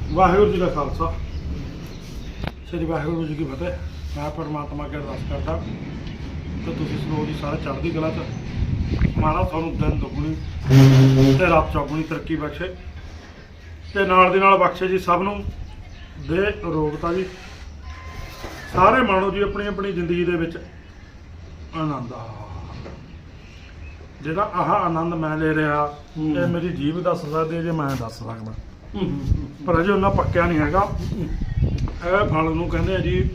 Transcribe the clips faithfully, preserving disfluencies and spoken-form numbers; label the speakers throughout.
Speaker 1: ਵਾਹਿਗੁਰੂ ਜੀ ਦਾ ਖਾਲਸਾ ਸ੍ਰੀ ਵਾਹਿਗੁਰੂ ਜੀ ਕੀ ਫਤਿਹ। ਮੈਂ ਪਰਮਾਤਮਾ ਅੱਗੇ ਅਰਦਾਸ ਕਰਦਾ ਕਿ ਤੁਸੀਂ ਸਰੋਵਰ ਦੀ ਸਾਰੇ ਚੜ੍ਹਦੀ ਕਲਾ 'ਚ ਮਹਾਰਾਜ ਤੁਹਾਨੂੰ ਦਿਨ ਦੁੱਗਣੀ ਤੇ ਰਾਤ ਚੌਗੁਣੀ ਤਰੱਕੀ ਬਖਸ਼ੇ ਤੇ ਨਾਲ ਦੀ ਨਾਲ ਬਖਸ਼ੇ ਜੀ ਸਭ ਨੂੰ ਦੇ ਅਰੋਗਤਾ ਜੀ। ਸਾਰੇ ਮਾਣੋ ਜੀ ਆਪਣੀ ਆਪਣੀ ਜ਼ਿੰਦਗੀ ਦੇ ਵਿੱਚ ਆਨੰਦ ਆ ਜਿਹੜਾ ਆਹ ਆਨੰਦ ਮੈਂ ਲੈ ਰਿਹਾ ਇਹ ਮੇਰੀ ਜੀਭ ਦੱਸ ਸਕਦੀ ਹੈ ਜੇ ਮੈਂ ਦੱਸ ਸਕਦਾ ਪਰ ਅਜੇ ਉਹਨਾਂ ਪੱਕਿਆ ਨਹੀਂ ਹੈਗਾ। ਇਹ ਫਲ ਨੂੰ ਕਹਿੰਦੇ ਆ ਜੀ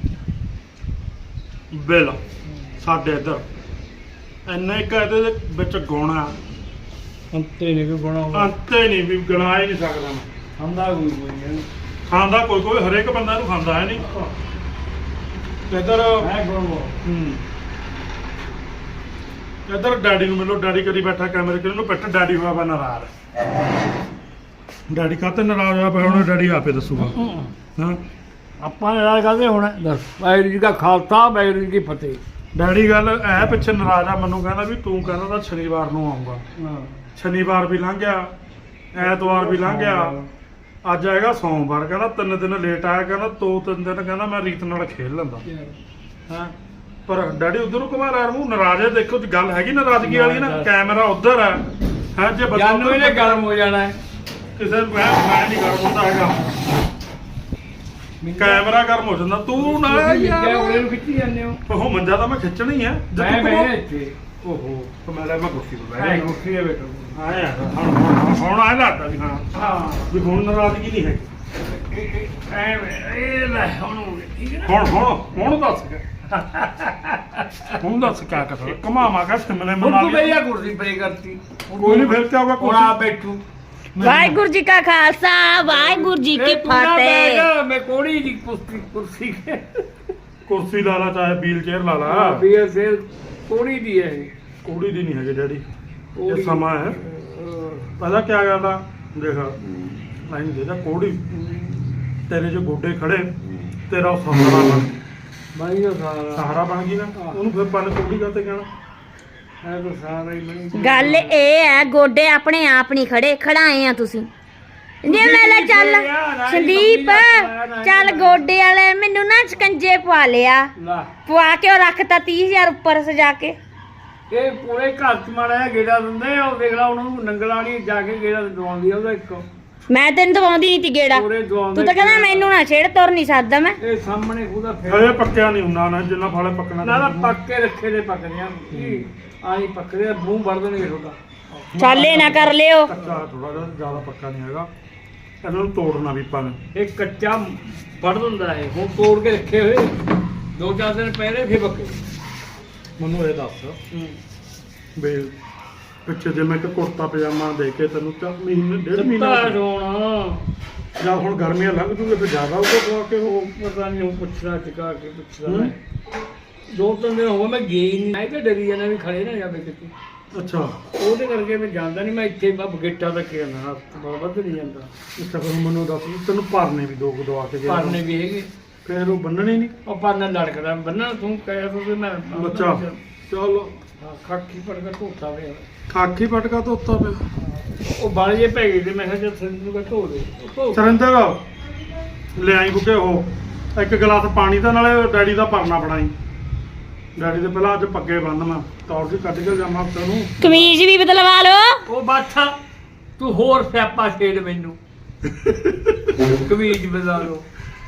Speaker 1: ਬਿੱਲ। ਸਾਡੇ ਇੱਧਰ ਇੰਨੇ ਕੁ ਇਹਦੇ ਵਿੱਚ ਗੁਣ ਆ
Speaker 2: ਅੰਤੇ ਨਹੀਂ ਵੀ ਗੁਣਾ
Speaker 1: ਅੰਤੇ ਨਹੀਂ ਵੀ ਗਿਣਾ ਹੀ ਨਹੀਂ ਸਕਦਾ ਮੈਂ।
Speaker 2: ਖਾਂਦਾ ਕੋਈ ਕੋਈ ਨਹੀਂ
Speaker 1: ਖਾਂਦਾ ਕੋਈ ਕੋਈ ਹਰੇਕ ਬੰਦਾ ਇਹਨੂੰ ਖਾਂਦਾ ਹੈ ਨਹੀਂ ਇੱਧਰ।
Speaker 2: ਮੈਂ ਗੁਣ
Speaker 1: ਹੂੰ ਇੱਧਰ ਡੈਡੀ ਨੂੰ ਮਿਲੋ। ਡੈਡੀ ਕਰੀ ਬੈਠਾ ਕੈਮਰੇ ਕਿਹਨੂੰ ਪਿੱਟ ਡੈਡੀ ਹੋਇਆ ਵਾ ਨਾਰਾਜ਼। ਡੈਡੀ ਕਾਹਤੇ ਨਾਰਾਜ਼ ਹੋਇਆ ਪਿਆ ਹੁਣ ਡੈਡੀ ਆਪੇ ਦੱਸੂਗਾ। ਹਾਂ
Speaker 2: ਆਪਾਂ ਨਾਰਾਜ਼ ਕਰਦੇ ਹੁਣ ਦੱਸ। ਵਾਹਿਗੁਰੂ ਜੀ ਦਾ ਖਾਲਸਾ ਵਾਹਿਗੁਰੂ ਜੀ ਕੀ ਫਤਿਹ।
Speaker 1: ਡੈਡੀ ਗੱਲ ਐ ਪਿੱਛੇ ਨਾਰਾਜ਼ ਆ ਮੈਨੂੰ ਕਹਿੰਦਾ ਵੀ ਤੂੰ ਕਹਿੰਦਾ ਤਾਂ ਸ਼ਨੀਵਾਰ ਨੂੰ ਆਊਗਾ। ਸ਼ਨੀਵਾਰ ਵੀ ਲੰਘ ਗਿਆ ਐਤਵਾਰ ਵੀ ਲੰਘ ਗਿਆ ਅੱਜ ਆਏਗਾ ਸੋਮਵਾਰ। ਕਹਿੰਦਾ ਤਿੰਨ ਦਿਨ ਲੇਟ ਆਇਆ ਕਹਿੰਦਾ ਦੋ ਤਿੰਨ ਦਿਨ ਕਹਿੰਦਾ ਮੈਂ ਰੀਤ ਨਾਲ ਖੇਡ ਲੈਂਦਾ। ਹਾਂ ਪਰ ਡੈਡੀ ਉਧਰ ਨੂੰ ਘੁਮਾ ਰਿਹਾ ਮੂੰਹ ਨਾਰਾਜ਼ ਹੈ। ਦੇਖੋ ਗੱਲ ਹੈਗੀ ਨਾਰਾਜ਼ਗੀ ਵਾਲੀ ਨਾ। ਕੈਮਰਾ ਉਧਰ ਹੈ ਹੈ ਜੇ ਬੰਦਾ
Speaker 2: ਜਾਨੂ ਇਹਨੇ ਗਰਮ ਹੋ ਜਾਣਾ ਹੈ।
Speaker 1: ਕਿਸੇ ਨੂੰ ਮੈਂ ਮੈਂ ਨਹੀਂ ਗਰਮ ਹੁੰਦਾ ਹੈਗਾ। ਕੈਮਰਾ ਗਰਮ ਹੋ ਜਾਂਦਾ ਤੂੰ ਨਾ ਯਾਰ
Speaker 2: ਉਹਨੇ ਨੂੰ ਖਿੱਚੀ ਜਾਂਦੇ ਹੋ।
Speaker 1: ਉਹ ਮੰਜਾ ਤਾਂ ਮੈਂ ਖਿੱਚਣਾ ਹੀ ਹੈ।
Speaker 2: ਮੈਂ ਬੈਠੇ ਇੱਥੇ
Speaker 1: ਓਹੋ ਤੇ ਮੈਂ ਲੈ ਮੈਂ ਕੁਰਸੀ ਤੇ ਬਹਿ
Speaker 2: ਮੈਂ
Speaker 1: ਗਿਆ।
Speaker 2: ਕੁਰਸੀ ਤੇ ਬੈਠਾ
Speaker 1: ਆਇਆ ਹੁਣ ਹੁਣ ਹੁਣ ਆਇਆ ਲੱਗਦਾ ਵੀ ਹਾਂ
Speaker 2: ਹਾਂ
Speaker 1: ਵੀ ਹੁਣ ਨਾਰਾਜ਼ਗੀ ਨਹੀਂ ਹੈਗੀ।
Speaker 2: ਇਹ ਲੈ ਹੁਣ
Speaker 1: ਹੁਣ ਹੁਣ ਹੁਣ ਦੱਸ ਹੁਣ ਦੱਸ ਕਿਆ ਕਰ ਘਮਾਵਾ ਕਾ ਸਿਮਲੇ
Speaker 2: ਹੁਣ
Speaker 1: ਮਨਾ
Speaker 2: ਤੂੰ
Speaker 1: ਲਈ
Speaker 2: ਬਈਆ ਕੁਰਸੀ ਪਰੇ ਕਰਤੀ।
Speaker 1: ਕੋਈ ਨਹੀਂ ਫਿਰ ਕਿਆ ਹੋਗਾ
Speaker 2: ਹੁਣ ਆ ਬੈਠੂ।
Speaker 3: ਵਾਹਿਗੁਰੂ ਜੀ ਕਾ ਖਾਲਸਾ ਵਾਹਿਗੁਰੂ ਜੀ ਕੀ
Speaker 2: ਇਹ ਤੂੰ ਨਾ
Speaker 3: ਫਤਿਹ।
Speaker 2: ਬੈਠ, ਮੈਂ ਕੋੜੀ ਦੀ ਕੁਰਸੀ ਕੁਰਸੀ
Speaker 1: ਕੁਰਸੀ ਲਾ ਲਾ ਚਾਹੇ ਵੀਲ ਚੇਅਰ ਲਾ ਲਾ।
Speaker 2: ਵੀ ਇਹ ਕੋੜੀ ਦੀ ਹੈ ਇਹ।
Speaker 1: ਕੋੜੀ ਦੀ ਨਹੀਂ ਹੈਗੀ ਡੈਡੀ ਇਹ
Speaker 2: ਕੋਹੜੀ।
Speaker 1: ਸਮਾਂ ਹੈ। ਪਤਾ ਕਿਆ ਗੱਲ ਆ ਦੇਖ ਲਾਈਨ ਦੇ ਦਾ ਕੋੜੀ ਤੇਰੇ ਜੋ ਗੋਡੇ ਖੜੇ ਤੇਰਾ ਉਹ ਸਹਾਰਾ ਬਣ
Speaker 2: ਬਾਈ ਦਾ ਸਾਰਾ
Speaker 1: ਸਹਾਰਾ ਬਣ ਗਈ ਨਾ ਉਹਨੂੰ ਫਿਰ ਪਨ ਕੋੜੀ ਕਾਤੇ ਕਹਿਣਾ।
Speaker 2: ਹੈ ਤਾਂ ਸਾਰਾ ਹੀ ਬਣੀ।
Speaker 3: ਗੱਲ ਇਹ ਹੈ ਗੋਡੇ ਆਪਣੇ ਆਪ ਨਹੀਂ ਖੜੇ ਖੜਾਏ ਆ ਤੁਸੀਂ। ਜੇ ਮੈਂ ਲੈ ਚੱਲ ਸੰਦੀਪ ਚੱਲ ਗੋਡੇ ਵਾਲੇ ਮੈਨੂੰ ਨਾ ਸਕੰਜੇ ਪਵਾ ਲਿਆ
Speaker 2: ਲਾ
Speaker 3: ਪਵਾ ਕੇ ਉਹ ਰੱਖਤਾ ਤੀਹ ਹਜ਼ਾਰ ਉੱਪਰ ਸਜਾ ਕੇ।
Speaker 2: ਇਹ ਪੂਰੇ ਘਰ ਚ ਮਾੜਾ ਜਿਹਾ ਗੇੜਾ ਦਿੰਦੇ ਆ। ਉਹ ਦੇਖ ਲਾ ਉਹਨਾਂ ਨੂੰ ਨੰਗਲਾਣੀ ਜਾ ਕੇ ਗੇੜਾ ਦਵਾਉਂਦੀ ਆ ਉਹਦਾ ਇੱਕ।
Speaker 3: ਮੈਂ ਤੈਨੂੰ ਦਵਾਉਂਦੀ ਨਹੀਂ ਤੀ ਗੇੜਾ
Speaker 2: ਪੂਰੇ ਦਵਾਉਂਦੇ
Speaker 3: ਤੂੰ ਤਾਂ ਕਹਿੰਦਾ ਮੈਨੂੰ ਨਾ ਛੇੜ ਤੁਰ ਨਹੀਂ ਸਕਦਾ ਮੈਂ।
Speaker 2: ਇਹ ਸਾਹਮਣੇ ਉਹਦਾ
Speaker 1: ਹਜੇ
Speaker 2: ਫੇਰ
Speaker 1: ਪੱਕਿਆ ਨਹੀਂ ਹੁੰਦਾ ਨਾ ਜਿੰਨਾ ਫਾਲੇ ਪੱਕਣਾ
Speaker 2: ਨਾ ਨਾ ਪੱਕ ਕੇ ਰੱਖੇ ਦੇ ਪੱਕਦੇ ਆ ਕੀ ਆਹੀ ਪੱਕਦੇ ਆ ਮੂੰਹ ਵੜ ਦੇਣਗੇ ਤੁਹਾਡਾ।
Speaker 3: ਚੱਲ ਇਹ ਨਾ ਕਰ ਲਿਓ।
Speaker 1: ਕੱਚਾ ਥੋੜਾ ਜਿਹਾ ਜ਼ਿਆਦਾ ਪੱਕਾ ਨਹੀਂ ਹੈਗਾ। ਇਹਨਾਂ ਨੂੰ ਤੋੜਨਾ ਵੀ ਪਾ
Speaker 2: ਇਹ ਕੱਚਾ ਵੜ ਦਿੰਦਾ ਹੈ। ਹੁਣ ਤੋੜ ਕੇ ਰੱਖੇ ਹੋਏ ਦੋ ਚਾਰ ਦਿਨ ਪਹਿਲੇ ਫੇਰ ਪੱਕੇ।
Speaker 1: ਮੈਨੂੰ ਇਹ ਦੱਸ ਵੀ ਪਿੱਛੇ ਜੇ ਮੈਂ ਇੱਕ ਕੁੜਤਾ ਪਜਾਮਾ ਦੇ ਕੇ ਤੈਨੂੰ ਤਾਂ ਮਹੀਨੇ ਡੇਢ ਮਹੀਨਾ
Speaker 2: ਦਿੱਤਾ ਸੋਣਾ
Speaker 1: ਜਾਂ ਹੁਣ ਗਰਮੀਆਂ ਲੰਘ ਜੂਗੇ ਫਿਰ ਜ਼ਿਆਦਾ ਹੋਊਗਾ ਪਵਾ ਕੇ ਉਹ
Speaker 2: ਉਹ ਪਤਾ ਨਹੀਂ ਉਹ ਪੁੱਛਦਾ ਟਿਕਾ ਕੇ ਪੁੱਛਦਾ ਮੈਂ ਦੋ ਤਿੰਨ ਦਿਨ ਹੋ ਗਏ ਮੈਂ ਗਿਆ ਹੀ ਨਹੀਂ। ਮੈਂ ਤਾਂ ਡਰੀ ਜਾਣਾ ਵੀ ਖੜੇ ਨਾ ਜਾਵੇ ਕਿਤੇ।
Speaker 1: ਅੱਛਾ
Speaker 2: ਉਹਦੇ ਕਰਕੇ ਮੈਂ ਜਾਂਦਾ ਨਹੀਂ। ਮੈਂ ਇੱਥੇ ਬੱਬ ਗੇਟਾਂ ਤੱਕ ਹੀ ਆਣਾ ਬਹੁਤ ਵੱਧ ਨਹੀਂ ਜਾਂਦਾ।
Speaker 1: ਅੱਛਾ ਫਿਰ ਮੈਨੂੰ ਦੱਸ ਵੀ ਤੈਨੂੰ ਭਰਨੇ ਵੀ ਦੋ ਕੁ ਦਵਾ ਕੇ ਗਿਆ
Speaker 2: ਪਰਨੇ ਵੀ ਹੈਗੇ।
Speaker 1: ਫਿਰ ਉਹ ਬੰਨਣੇ ਨਹੀਂ।
Speaker 2: ਉਹ ਪਰਨਾ ਲੜਕਦਾ ਬੰਨਣਾ ਤੂੰ ਕਹਿਆ ਤੂੰ ਮੈਂ
Speaker 1: ਬੱਚਾ ਚਲੋ
Speaker 2: ਖਾਕੀ ਪੜ ਕੇ ਧੋਤਾ ਵੇ।
Speaker 1: ਖਾਕੀ ਪਟਕਾ ਧੋਤਾ ਪਿਆ।
Speaker 2: ਉਹ ਬਾਲੇ ਜੇ ਪੈ ਗਏ ਤੇ ਮੈਂ ਕਿਹਾ ਚੱਲ ਸਿੰਧੂ ਕਾ ਧੋ ਦੇ। ਉਹ ਧੋ
Speaker 1: ਸਰਿੰਦਰ ਲਿਆਈ ਬੁੱਕੇ ਉਹ ਇੱਕ ਗਲਾਸ ਪਾਣੀ ਦਾ ਨਾਲੇ ਡੈਡੀ ਦਾ ਪਰਨਾ ਬਣਾਈ। ਡੈਡੀ ਦੇ ਪਹਿਲਾਂ ਅੱਜ ਪੱਗੇ ਬੰਨ ਮੈਂ ਤੌਰ ਜੀ ਕੱਢ ਕੇ ਜਾਵਾਂ ਤੈਨੂੰ।
Speaker 3: ਕਮੀਜ਼ ਵੀ ਬਦਲਵਾ ਲਓ।
Speaker 2: ਉਹ ਬਾਛਾ ਤੂੰ ਹੋਰ ਸਿਆਪਾ ਛੇੜ ਮੈਨੂੰ। ਕਮੀਜ਼ ਬਦਲਾ ਲੋ।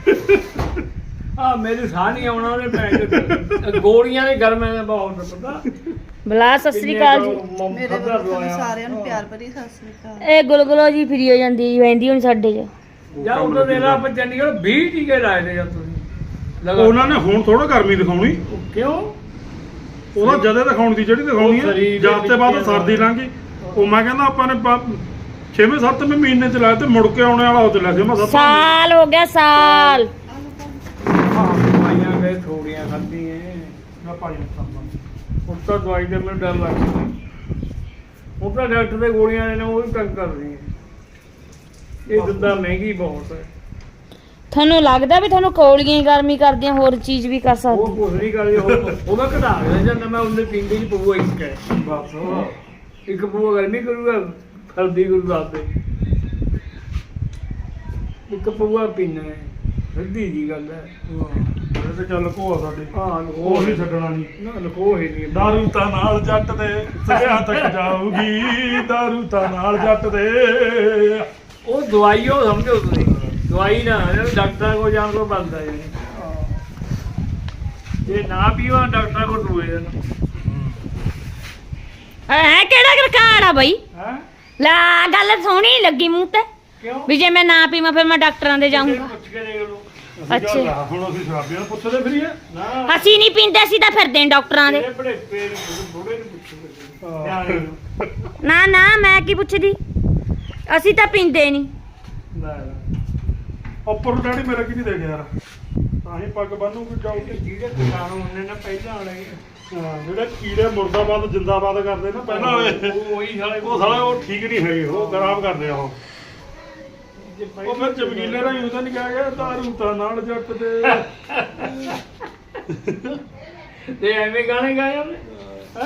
Speaker 2: ਆ ਮੇਰੇ ਸਾਹ ਨਹੀਂ ਆਉਣਾ ਉਹਦੇ ਪੈਰ ਗੋਲੀਆਂ ਦੇ ਗਰਮੇ ਦੇ ਬਹੁਤ ਪਤਾ।
Speaker 3: ਬਲਾ ਸਤਿ ਸ੍ਰੀ ਅਕਾਲ ਜੀ।
Speaker 4: ਮੇਰੇ ਵੱਲੋਂ ਤੁਹਾਨੂੰ ਸਾਰਿਆਂ ਨੂੰ ਪਿਆਰ ਭਰੀ ਸਤਿ ਸ੍ਰੀ ਅਕਾਲ।
Speaker 3: ਇਹ ਗੁਲਗੁਲੋ ਜੀ ਫਿਰੀ ਹੋ ਜਾਂਦੀ ਵੈਂਦੀ ਹੁਣ ਸਾਡੇ ਚ।
Speaker 2: ਜਾਂ ਉਦੋਂ ਦੇ ਲਾ ਆਪਾਂ ਚੰਡੀਗੜ੍ਹ ਵੀਹ ਟੀਕੇ ਲਾਏ ਨੇ ਜਾਂ ਤੁਸੀਂ ਲਗਾ।
Speaker 1: ਉਹਨਾਂ ਨੇ ਹੁਣ ਥੋੜਾ ਗਰਮੀ ਦਿਖਾਉਣੀ।
Speaker 2: ਕਿਉਂ
Speaker 1: ਉਹਦਾ ਜਦੇ ਦਿਖਾਉਣ ਦੀ ਜਿਹੜੀ ਦਿਖਾਉਣੀ
Speaker 2: ਉਹ
Speaker 1: ਹੈ
Speaker 2: ਸਰੀਰ ਦੇ
Speaker 1: ਜਦ ਤੇ ਬਾਅਦ
Speaker 2: ਵਿੱਚ
Speaker 1: ਸਰਦੀ ਲੰਘ ਗਈ। ਉਹ ਮੈਂ ਕਹਿੰਦਾ ਆਪਾਂ ਨੇ ਛੇਵੇਂ ਸੱਤਵੇਂ ਮਹੀਨੇ ਚ ਲਾਇਆ ਤੇ ਮੁੜ ਕੇ ਆਉਣੇ ਵਾਲਾ ਉਹ ਤੇ ਲੱਗੇ ਮੈਂ ਸੱਤ
Speaker 3: ਸਾਲ ਹੋ ਗਿਆ ਸਾਲ।
Speaker 2: ਦਵਾਈਆਂ ਗਏ ਥੋੜੀਆਂ ਖਾਧੀਆਂ।
Speaker 1: ਮੈਂ ਭਾਈ ਨੂੰ ਸਾਂਭਾਂ।
Speaker 2: ਹੁਣ ਤਾਂ ਦਵਾਈ ਦੇ ਮੈਨੂੰ ਡਰ ਲੱਗਦਾ। ਹੁਣ ਤਾਂ ਡਾਕਟਰ ਦੇ ਗੋਲੀਆਂ ਨੇ ਉਹ ਵੀ ਤੰਗ ਕਰ ਰਹੀਆਂ। ਇਹ ਦਿੰਦਾ ਮਹਿੰਗੀ ਬਹੁਤ ਹੈ।
Speaker 3: ਤੁਹਾਨੂੰ ਲੱਗਦਾ ਵੀ ਤੁਹਾਨੂੰ ਕੌਲੀਆਂ ਹੀ ਗਰਮੀ ਕਰਦੀਆਂ ਹੋਰ ਚੀਜ਼ ਵੀ ਕਰ
Speaker 2: ਉਹ
Speaker 3: ਸਕਦੀ।
Speaker 2: ਕੁਛ ਨਹੀਂ ਕਰਦੇ। ਉਹ ਉਹਦਾ ਘਟਾ ਕੇ ਜਾਂਦਾ ਮੈਂ ਉਹਨੇ ਪੀਂਦੇ ਹੀ ਪਊਆ ਇੱਕ ਹੈ
Speaker 1: ਬਸ
Speaker 2: ਇੱਕ ਪਊਆ ਗਰਮੀ ਕਰੂਗਾ ਸਰਦੀ ਕਰੂ ਰਾਤ ਦੇ। ਇੱਕ ਪਊਆ ਪੀਣਾ ਹੈ ਸਿੱਧੀ ਜੀ ਗੱਲ ਹੈ
Speaker 1: ਇਹ ਤੇ ਚੱਲ ਕੋਆ ਸਾਡੇ
Speaker 2: ਹਾਂ
Speaker 1: ਉਹ ਨਹੀਂ ਛੱਡਣਾ ਨਹੀਂ
Speaker 2: ਨਾ ਲਕੋ ਹੀ ਨਹੀਂ
Speaker 1: ਦਾਰੂ ਤਾਂ ਨਾਲ ਜੱਟ ਦੇ ਸਿਆਂ ਤੱਕ ਜਾਊਗੀ ਦਾਰੂ ਤਾਂ ਨਾਲ ਜੱਟ ਦੇ
Speaker 2: ਉਹ ਦਵਾਈ ਉਹ ਸਮਝੋ ਤੁਸੀਂ ਦਵਾਈ ਨਾ ਇਹਨੂੰ ਡਾਕਟਰ ਕੋਲ ਜਾਣ ਤੋਂ ਬੰਦਾ ਜੀ ਇਹ ਨਾ ਪੀਵਾ ਡਾਕਟਰ ਕੋਲ ਦੂਏ ਦਿਨ
Speaker 3: ਹੈ ਕਿਹੜਾ ਰਿਕਾਰਡ ਆ ਬਈ
Speaker 2: ਹੈ
Speaker 3: ਲਾ ਗੱਲ ਸੋਹਣੀ ਲੱਗੀ ਮੂੰਹ ਤੇ
Speaker 2: ਕਿਉਂ
Speaker 3: ਵੀ ਜੇ ਮੈਂ ਨਾ ਪੀਵਾਂ ਫਿਰ ਮੈਂ ਡਾਕਟਰਾਂ ਦੇ ਜਾਊਂਗਾ
Speaker 2: ਪੁੱਛ ਕੇ ਦੇਖ ਲਓ
Speaker 1: ਅਸੀਂ ਗੱਲ ਆ, ਹੁਣ ਅਸੀਂ ਸ਼ਰਾਬੀਆਂ ਨੂੰ ਪੁੱਛਦੇ ਫਿਰੀਏ
Speaker 2: ਨਾ
Speaker 3: ਅਸੀਂ ਨਹੀਂ ਪੀਂਦੇ ਅਸੀਂ ਤਾਂ ਫਿਰਦੇ ਆਂ ਡਾਕਟਰਾਂ ਦੇ
Speaker 2: ਤੇਰੇ ਬੜੇ ਪੇਰ ਬੁੜੇ ਨੂੰ ਪੁੱਛੋ
Speaker 3: ਨਾ ਨਾ ਮੈਂ ਕੀ ਪੁੱਛਦੀ ਅਸੀਂ ਤਾਂ ਪੀਂਦੇ ਨਹੀਂ
Speaker 2: ਨਾ
Speaker 1: ਉੱਪਰ ਨੂੰ ਡੈਡੀ ਮੇਰਾ ਕੀ ਨਹੀਂ ਦੇ ਗਿਆ ਯਾਰ ਤਾਂ ਹੀ ਪੱਗ ਬੰਨੂ ਕਿ ਜਾਊਗੀ
Speaker 2: ਜਿਹੜੇ ਕਿਸਾਨ ਹੁੰਦੇ ਨੇ ਪਹਿਲਾਂ ਵਾਲੇ
Speaker 1: ਹਾਂ ਜਿਹੜੇ ਕੀੜੇ ਮੁਰਦਾਬਾਦ ਜਿੰਦਾਬਾਦ ਕਰਦੇ ਨਾ ਪਹਿਲਾਂ ਵਾਲੇ
Speaker 2: ਉਹ ਉਹੀ ਸਾਲੇ
Speaker 1: ਉਹ ਸਾਲਾ ਉਹ ਠੀਕ ਨਹੀਂ ਹੈਗੇ ਉਹ ਖਰਾਬ ਕਰਦੇ ਆ ਉਹ ਉਹ ਫਿਰ ਚਮਕੀਲੇ ਰਾਹੀਂ ਉਹਦਾ ਨਹੀਂ ਕਿਹਾ ਗਿਆ ਦਾਰੂ ਤਾਂ ਨਾਲ ਜੱਟ ਦੇ
Speaker 2: ਤੇ ਐਵੇਂ ਗਾਣੇ ਗਾਏ ਉਹਨੇ ਹੈ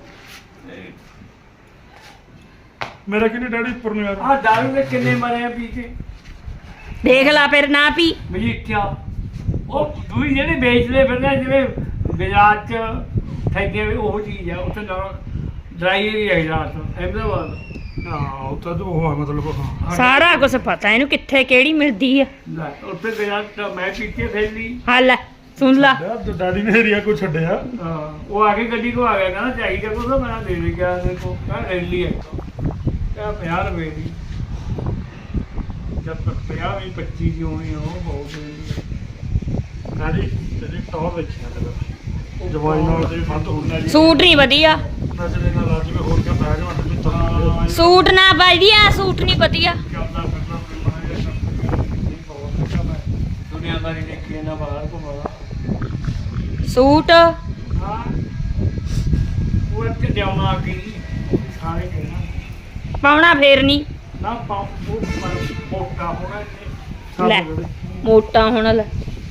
Speaker 1: ਮੇਰਾ ਕਿਹਨੇ ਡੈਡੀ ਉੱਪਰ ਨੂੰ ਯਾਰ
Speaker 2: ਆ ਦਾਰੂ ਦੇ ਕਿੰਨੇ ਮਰੇ ਆ ਪੀ ਕੇ
Speaker 3: ਦੇਖ ਲਾ ਫਿਰ ਨਾ ਪੀ
Speaker 2: ਮਜੀਠਾ ਉਹ ਦੂਈ ਜਿਹੜੇ ਵੇਚਦੇ ਫਿਰਦੇ ਜਿਵੇਂ ਗੁਜਰਾਤ ਚ ਠੱਗੇ ਵੀ ਉਹ ਚੀਜ਼ ਆ ਉੱਥੇ ਨਾਲ ਡਰਾਈ ਏਰੀਆ ਗੁਜਰਾਤ ਅਹਿਮਦਾਬਾਦ
Speaker 1: ਹਾਂ ਉੱਥੇ ਤਾਂ ਉਹ ਆ ਮਤਲਬ ਹਾਂ
Speaker 3: ਸਾਰਾ ਕੁਝ ਪਤਾ ਇਹਨੂੰ ਕਿੱਥੇ ਕਿਹੜੀ ਮਿਲਦੀ ਆ
Speaker 2: ਲੈ ਉੱਥੇ ਗੁਜਰਾਤ ਚ ਮੈਂ ਪੀਤੇ ਫੈਲੀ
Speaker 3: ਹਾਂ ਲੈ ਸੁਣ ਲਾ
Speaker 1: ਡੈਡੀ ਨੇ ਏਰੀਆ ਕੋਈ ਛੱਡਿਆ
Speaker 2: ਹਾਂ ਉਹ ਆ ਕੇ ਗੱਡੀ ਕੋ ਆ ਗਿਆ ਕਹਿੰਦਾ ਚਾਹੀਦਾ ਕੋ ਤਾਂ ਮੈਂ ਦੇ ਦੇ ਗਿਆ ਦੇਖੋ ਕਹਿੰਦਾ ਰੈਲੀ ਹੈ ਕਿਆ ਪੰਜਾਹ ਰੁਪਏ ਦੀ ਜਦ ਤੱਕ ਪੰਜਾਹ ਵੀ ਪੱਚੀ ਦੀ ਹੋਣੀ ਉਹ ਬਹੁਤ ਹੋਣੀ
Speaker 1: ਡੈਡੀ ਤੇਰੀ ਟੌਰ ਵੇਖਿਆ ਤੇ ਜਵਾਈ ਨਾਲ ਤੇ ਫੰਦ ਹੁੰਦਾ ਜੀ
Speaker 3: ਸੂਟ ਨਹੀਂ ਵਧੀਆ
Speaker 1: ਨੱਚਦੇ ਨਾਲ ਅੱਜ ਵੀ ਹੋਰ ਕਿਆ ਬੈਗ ਵੱਟ ਵੀ ਤਾਂ
Speaker 3: ਸੂਟ ਨਾ ਵਧੀਆ ਸੂਟ ਨਹੀਂ ਵਧੀਆ
Speaker 2: ਚੱਲਦਾ ਫਿਰਦਾ ਦੁਨੀਆਦਾਰੀ ਦੇਖੀ ਨਾ ਬਾਹਰ ਘੁੰਮਦਾ
Speaker 3: ਸੂਟ
Speaker 2: ਹਾਂ ਉਹ ਇੱਥੇ ਜਾਉਣਾ ਆ ਗਈ ਸਾਰੇ ਕਹਿਣਾ
Speaker 3: ਪਾਉਣਾ ਫੇਰ ਨਹੀਂ
Speaker 2: ਨਾ ਪੰਪ ਉਹ ਮੋਟਾ ਹੋਣਾ ਇੱਥੇ
Speaker 3: ਲੈ ਮੋਟਾ ਹੁਣ ਲੈ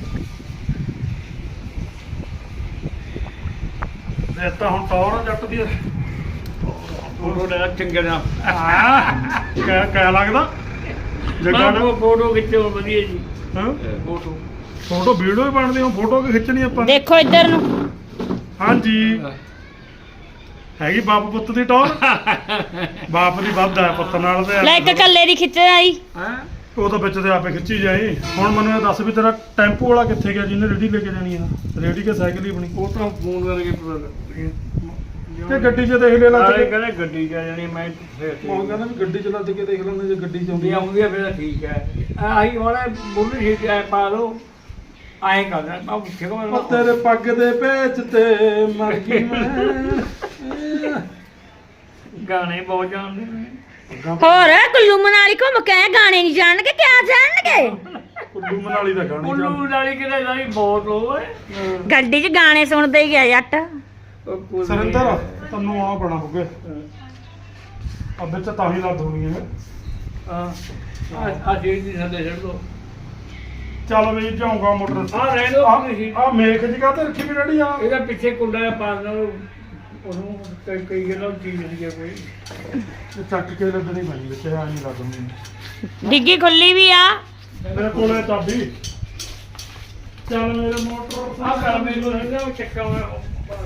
Speaker 1: ਇਹ ਤਾਂ ਹੁਣ ਟੌਰ ਆ ਜੱਟ ਦੀ
Speaker 2: ਫੋਟੋ ਲੈ ਚੰਗੇ ਨਾ
Speaker 1: ਹਾਂ ਕਿਆ ਕਿਆ ਲੱਗਦਾ ਜੱਗਾ
Speaker 2: ਜੱਗਾ
Speaker 1: ਨਾ
Speaker 2: ਫੋਟੋ ਖਿੱਚੋ ਵਧੀਆ ਜੀ
Speaker 1: ਹਾਂ
Speaker 2: ਫੋਟੋ
Speaker 1: ਫੋਟੋ ਵੀਡੀਓ ਹੀ ਬਣਦੀ ਹੁਣ ਫੋਟੋ ਕਿ ਖਿੱਚਣੀ ਆਪਾਂ
Speaker 3: ਦੇਖੋ ਇੱਧਰ ਨੂੰ
Speaker 1: ਹਾਂਜੀ ਹੈਗੀ ਬਾਪ ਪੁੱਤ ਦੀ ਟੌਰ ਬਾਪ ਦੀ ਵੱਧ ਹੈ ਪੁੱਤ ਨਾਲ ਤੇ
Speaker 3: ਲੈ ਇੱਕ ਕੱਲੇ ਦੀ ਖਿੱਚ ਆਈ
Speaker 2: ਹੈ
Speaker 1: ਉਹ ਤਾਂ ਵਿੱਚ ਤੇ ਆਪੇ ਖਿੱਚੀ ਜਾਏ ਹੁਣ ਮੈਨੂੰ ਇਹ ਦੱਸ ਵੀ ਤੇਰਾ ਟੈਂਪੂ ਵਾਲਾ ਕਿੱਥੇ ਗਿਆ ਜਿਹਨੇ ਰੇੜੀ ਲੈ ਕੇ ਜਾਣੀ ਆ ਰੇੜੀ ਕੇ ਸਾਈਕਲ ਹੀ ਬਣੀ
Speaker 2: ਉਹ ਤਾਂ ਫੋਨ ਕਰਕੇ ਪਤਾ ਲੱਗ
Speaker 1: ਤੇ ਗੱਡੀ 'ਚ ਦੇਖ ਲੈ ਲੱਗ
Speaker 2: ਸਾਰੇ
Speaker 1: ਕੇ
Speaker 2: ਕਹਿੰਦੇ ਗੱਡੀ ਜਾ ਜਾਣੀ ਮੈਂ
Speaker 1: ਉਹ ਕਹਿੰਦਾ ਵੀ ਗੱਡੀ 'ਚ ਲੱਦ ਕੇ ਦੇਖ ਲੈਂਦੇ ਜੇ ਗੱਡੀ 'ਚ
Speaker 2: ਹੁੰਦੀ
Speaker 1: ਆਉਂਦੀ
Speaker 2: ਆਉਂਦੀ ਆ ਫਿਰ ਤਾਂ ਠੀਕ ਹੈ ਆਹੀ ਹੁਣ ਬੁੱਢੀ ਠੀਕ ਹੈ ਪਾ ਲਓ ਆਏ ਕਰਦਾ ਮੈਂ ਪੁੱਛੇ ਕੋ
Speaker 1: ਉਹ ਤੇਰੇ ਪੱਗ ਦੇ ਪੇਚ ਤੇ ਮਰ ਗਈ ਮੈਂ
Speaker 2: ਗਾਣੇ ਬਹੁਤ ਜਾਣਦੇ ਨੇ
Speaker 3: ਹੋਰ ਕੁੱਲੂ ਮਨਾਲੀ ਘੁੰਮ ਕੇ ਆਏ, ਗਾਣੇ ਨਹੀਂ ਜਾਣਗੇ ਕਿਆ ਜਾਣਗੇ
Speaker 1: ਕੁੱਲੂ ਮਨਾਲੀ ਦਾ ਗਾਣਾ
Speaker 2: ਉੱਲੂ ਨਾਲੀ ਕਿਤੇ ਨਾਲੀ ਬਹੁਤ ਹੋਏ
Speaker 3: ਗੱਡੀ 'ਚ ਗਾਣੇ ਸੁਣਦੇ ਹੀ ਗਿਆ ਜੱਟ
Speaker 1: ਸਰਿੰਦਰ ਤੈਨੂੰ ਆਉਣਾ ਪੈਣਾ ਹੋਗੇ ਅੱਬੇ ਚ ਤਾਂ ਹੀ ਲੱਦ ਹੋਣੀ ਹੈ
Speaker 2: ਹਾਂ ਆ ਜਿਹੜੀ ਦੀ ਥੱਲੇ ਛੱਡ ਦੋ
Speaker 1: ਚੱਲ ਵੀ ਜਾਊਂਗਾ ਮੋਟਰ
Speaker 2: ਆ ਰਹਿ ਦੋ
Speaker 1: ਆ ਮੇਖ ਜੀ ਕਾਹਤੇ ਰੱਖੀ ਵੀ ਡੈਡੀ ਆ
Speaker 2: ਇਹਦਾ ਪਿੱਛੇ ਕੁੰਡਾ ਜਿਹਾ ਪਾ ਦੇਣਾ ਉਹਨੂੰ ਕਈ ਕਈ ਗੱਲਾਂ ਚੀਜ਼ ਨਹੀਂ ਹੈ ਕੋਈ
Speaker 1: ਇਹ ਚੱਕ ਕੇ ਲੱਦਣੀ ਪੈਣੀ ਵਿੱਚ ਆ ਨਹੀਂ ਲੱਦਣੀ
Speaker 3: ਡਿੱਗੀ ਖੁੱਲੀ ਵੀ ਆ
Speaker 1: ਮੇਰੇ ਕੋਲੇ ਚਾਬੀ ਚੱਲ ਮੇਰੇ ਮੋਟਰ
Speaker 2: ਆ ਕਰ ਮੈਨੂੰ ਰਹਿੰਦਾ ਉਹ ਚੱਕਾ ਮੈਂ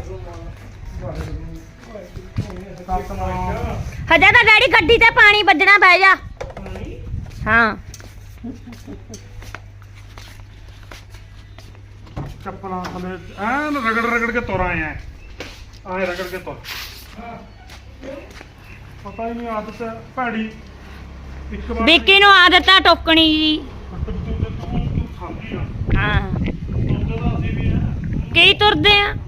Speaker 3: ਹਜੇ ਤਾਂ ਡੈਡੀ ਗੱਡੀ ਤੇ ਪਾਣੀ ਵੱਜਣਾ ਬਹਿ ਜਾ ਹਾਂ
Speaker 1: ਚੱਪਲਾਂ ਥਲੇ ਐਨ ਰਗੜ ਰਗੜ ਕੇ ਤੁਰ ਆਏ ਆ ਆਏ ਰਗੜ ਕੇ ਤੁਰ ਪਤਾ ਹੀ ਨਹੀਂ ਆਦਤ ਭੈੜੀ ਇੱਕ ਵਾਰ
Speaker 3: ਵਿੱਕੀ ਨੂੰ ਆਦਤ ਆ ਟੋਕਣੀ ਦੀ
Speaker 1: ਤੂੰ ਤੂੰ ਖਾਂਦੀ ਆ
Speaker 3: ਹਾਂ
Speaker 1: ਤੁਰਦੇ ਤਾਂ ਅਸੀਂ ਵੀ ਆ
Speaker 3: ਕੀ ਤੁਰਦੇ ਆ